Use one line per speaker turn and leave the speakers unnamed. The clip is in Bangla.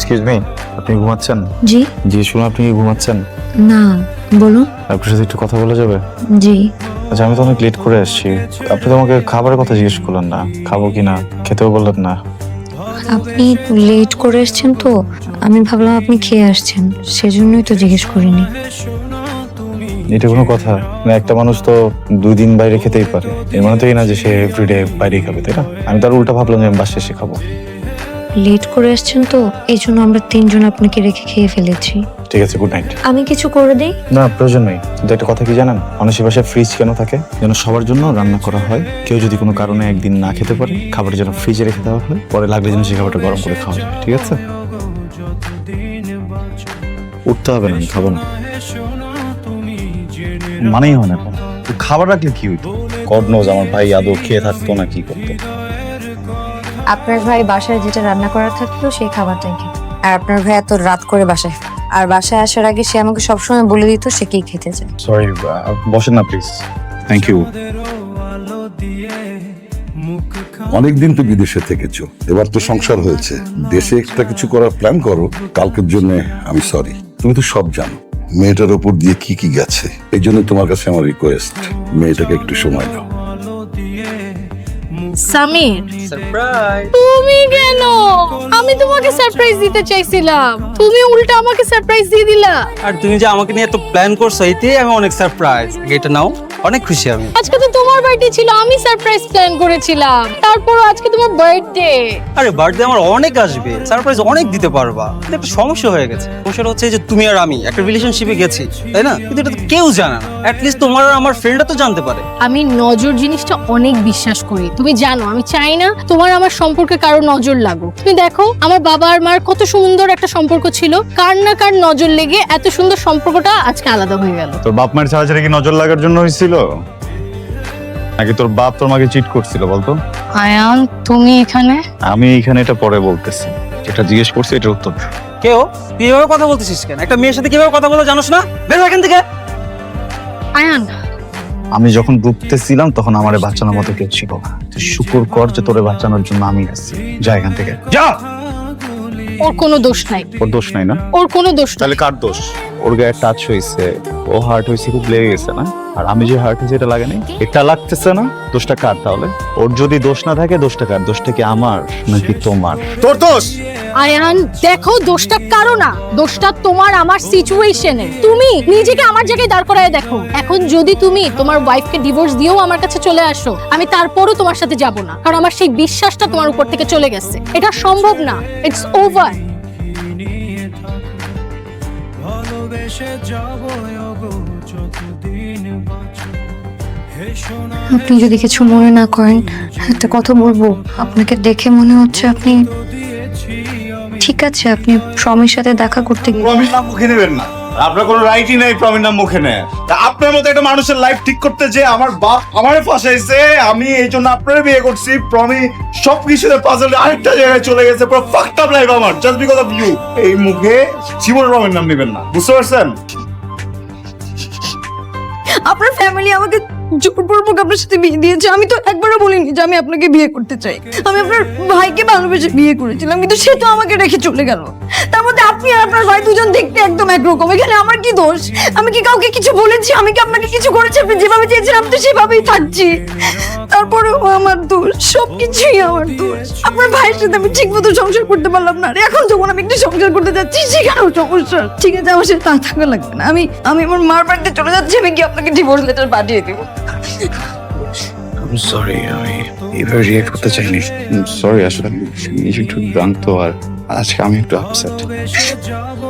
এক্সকিউজ মি, আপনি ঘুমাচ্ছেন?
জি
জি শুনুন, আপনি কি ঘুমাচ্ছেন?
না, বলুন।
আপনার সাথে একটু কথা বলা যাবে?
জি
আচ্ছা, আমি তো অনেক লেট করে আসছি। আপনি তো আমাকে খাবারের কথা জিজ্ঞেস করলেন না, খাবো কি না, খেতেও বললেন না।
আপনি লেট করে এসেছেন তো আমি ভাবলাম আপনি খেয়ে আসছেন, সেজন্যই তো জিজ্ঞেস করিনি।
এটা কোনো কথা না? একটা মানুষ তো 2 দিন বাইরে খেতেই পারে, এর মানে তো এই না যে সে এভরিডে বাইরেই খাবে, তাই না? আমি তার উল্টা ভাবলাম যে আমি বাসায় এসে খাবো।
লেট করে এসেছেন তো এই জন্য আমরা 3জন আপনাকে রেখে খেয়ে ফেলেছি।
ঠিক আছে, গুড নাইট।
আমি কিছু করে দিই?
না, প্রয়োজন নেই। কিন্তু একটা কথা কি জানেন, মানুষের বাসায় ফ্রিজ কেন থাকে? যেন সবার জন্য রান্না করা হয়। কেউ যদি কোনো কারণে একদিন না খেতে পারে, খাবার যেন ফ্রিজে রেখে দেওয়া হয়, পরে লাগলে যেন সেই খাবারটা গরম করে খাওয়া যায়। ঠিক আছে? উঠতে হবে না, আমি খাবো না। মানেই হয় না। খাবার রাখলে কি হইতো? গড নোজ আমার ভাই আদৌ খেয়ে থাকতো না কি করতো।
আপনার ভাই বাসায় যেটা রান্না করা থাকতো সেই খাবারটাই খেত। আর আপনার ভাই এত রাত করে বাসায় আর বাসায় আসার আগে সে আমাকে সবসময় বলে দিত সে কি খেতে চায়।
সরি, বসেন না প্লিজ। Thank you.
অনেকদিন তো বিদেশে থেকেছো, এবার তো সংসার হয়েছে, দেশে একটা কিছু করার প্ল্যান করো। কালকের জন্য আমি সরি, তুমি তো সব জানো মেয়েটার ওপর দিয়ে কি কি গেছে। এই জন্য তোমার কাছে আমার রিকোয়েস্ট, মেয়েটাকে একটু সময় দাও।
সামির,
সারপ্রাইজ।
তুমি কেন? আমি তোমাকে সারপ্রাইজ দিতে চাইছিলাম, তুমি উল্টা আমাকে সারপ্রাইজ দিয়ে দিলা।
আর তুমি যে আমাকে নিয়ে এত প্ল্যান করছো, এতেই আমি অনেক সারপ্রাইজ। এটা নাও, অনেক খুশি আমি।
আজকে তো তোমার বার্থডে ছিল, আমি সারপ্রাইজ প্ল্যান করেছিলাম, তারপর আজকে তোমার বার্থডে।
আরে বার্থডে আমার অনেক আসবে, সারপ্রাইজ অনেক দিতে পারবা। কিন্তু একটা সমস্যা হয়ে গেছে। সমস্যাটা হচ্ছে যে তুমি আর আমি একটা রিলেশনশিপে গেছি, তাই না? কিন্তু এটা তো কেউ জানে না। অ্যাটলিস্ট তোমার আর আমার ফ্রেন্ডরা তো জানতে পারে।
আমি নজর জিনিসটা অনেক বিশ্বাস করি, তুমি জানো। আমি চাই না তোমার আমার সম্পর্কে কারো নজর লাগুক। তুমি দেখো আমার বাবা আর মার কত সুন্দর একটা সম্পর্ক ছিল, কার না কার নজর লেগে এত সুন্দর সম্পর্কটা আজকে আলাদা হয়ে গেল।
তোর বাপ মায়ের ছাড়াছাড়ি কি নজর লাগার জন্য হয়েছিল, নাকি তোর বাপ তোর মাকে চিট করছিল বলতো?
আয়ান, তুমি এখানে?
আমি এইখানে এটা পরে বলতেছি, যেটা জিজ্ঞেস করছি এটার উত্তর দে।
কেউ তুই এভাবে কথা বলতেছিস কেন? একটা মেয়ের সাথে কিভাবে কথা বলা জানোস না? বের হ এখান থেকে।
আয়ান,
আমি যখন ডুবতেছিলাম তখন আমারে বাঁচানোর মতো কেউ ছিল না। তুই শুকর কর যে তোরে বাঁচানোর জন্য আমি আছি। যা এখান থেকে যা।
ওর কোনো দোষ নাই,
ওর দোষ নাই না?
ওর কোনো দোষ নাই।
তাহলে কার দোষ? ওর গায়ে টাচ হয়েছে, ও হার্ট হয়েছে, খুব লেগে গেছে না? আর আমি যে হার্ট হয়েছে এটা লাগে নাই, এটা লাগতেছে না? দোষটা কার তাহলে? ওর যদি দোষ না থাকে দোষটা কার? দোষটা কি আমার নাকি তোমার? তোর দোষ।
আয়ান দেখো, দোষটা কারো না, দোষটা তোমার আমার সিচুয়েশনে। তুমি নিজেকে আমার জায়গায় দাঁড় করায় দেখো। এখন যদি তুমি তোমার ওয়াইফকে ডিভোর্স দিয়েও আমার কাছে চলে আসো, আমি তারপরও তোমার সাথে যাব না, কারণ আমার সেই বিশ্বাসটা তোমার উপর থেকে চলে গেছে। এটা সম্ভব না, ইটস ওভার।
আপনি যদি কিছু মনে না করেন একটা কথা বলবো। আপনাকে দেখে মনে হচ্ছে আপনি ঠিক আছে। আপনি স্বামীর সাথে দেখা করতে গিয়ে
প্রমির নাম মুখে নেবেন না। আপনার কোনো রাইটই নাই প্রমির নাম মুখে নেয়। তা আপনার মতো একটা মানুষের লাইফ ঠিক করতে যে আমার বাপ আমারে ফাঁসাইছে, আমি এই জন্য আপনারে বিয়ে করছি। প্রমি সবকিছুতে পাজল আরেকটা জায়গায় চলে গেছে, পুরো ফাকড আপ লাইফ আমার, জাস্ট বিকজ অফ ইউ। এই মুখে জীবন প্রমির নাম নেবেন না, বুঝতে পারছেন?
আপনার ফ্যামিলি আমাকে জোরপূর্বক আপনার সাথে বিয়ে দিয়েছে। আমি তো একবারও বলিনি যে আমি আপনাকে বিয়ে করতে চাই। আমি আপনার ভাইকে ভালোবেসে বিয়ে করেছিলাম, কিন্তু সে তো আমাকে রেখে চলে গেল। তার মধ্যে আপনি আর আপনার ভাই দুজন দেখতে একদম একরকম। এখানে আমার কি দোষ? আমি কি কাউকে কিছু বলেছি? আমি কি আপনাকে কিছু করেছি? আপনি যেভাবে চেয়েছিলাম তো সেভাবেই থাকছি। তারপরেও আমার দোষ, সবকিছুই আমার দোষ। আপনার ভাইয়ের সাথে আমি ঠিক মতো সংসার করতে পারলাম না, আর এখন যখন আমি একটু সংসার করতে যাচ্ছি সেখানেও সমস্যা। ঠিক আছে, আমার সাথে তা থাকা লাগবে না। আমি আমার মার বাড়িতে চলে যাচ্ছি। আমি কি আপনাকে ডিভোর্স লেটার পাঠিয়ে দেবো?
সরি, আমি এভাবে রিয়েক্ট করতে চাইনি। সরি, আসলে নিজে একটু জানতো, আর আজকে আমি একটু আপসেট।